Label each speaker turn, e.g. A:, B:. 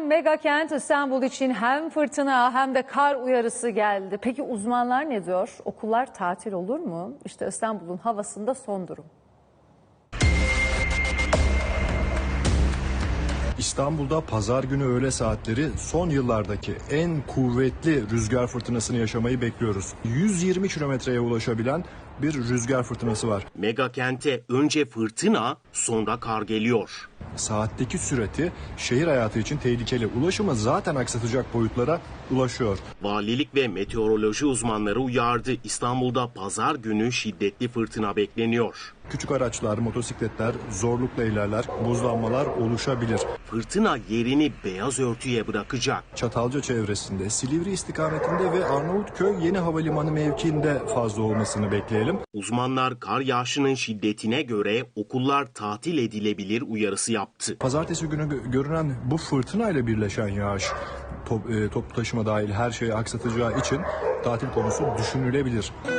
A: mega kent İstanbul için hem fırtına hem de kar uyarısı geldi. Peki uzmanlar ne diyor? Okullar tatil olur mu? İşte İstanbul'un havasında son durum.
B: İstanbul'da pazar günü öğle saatleri son yıllardaki en kuvvetli rüzgar fırtınasını yaşamayı bekliyoruz. 120 kilometreye ulaşabilen bir rüzgar fırtınası var.
C: Mega kente önce fırtına, sonra kar geliyor.
B: Saatteki sürati şehir hayatı için tehlikeli. Ulaşımı zaten aksatacak boyutlara ulaşıyor.
C: Valilik ve meteoroloji uzmanları uyardı. İstanbul'da pazar günü şiddetli fırtına bekleniyor.
B: Küçük araçlar, motosikletler zorlukla ilerler, buzlanmalar oluşabilir.
C: Fırtına yerini beyaz örtüye bırakacak.
B: Çatalca çevresinde, Silivri istikametinde ve Arnavutköy Yeni Havalimanı mevkiinde fazla olmasını bekleyelim.
C: Uzmanlar kar yağışının şiddetine göre okullar tatil edilebilir uyarısı yaptı.
B: Pazartesi günü görünen bu fırtınayla birleşen yağış toplu taşıma dahil her şeyi aksatacağı için tatil konusu düşünülebilir.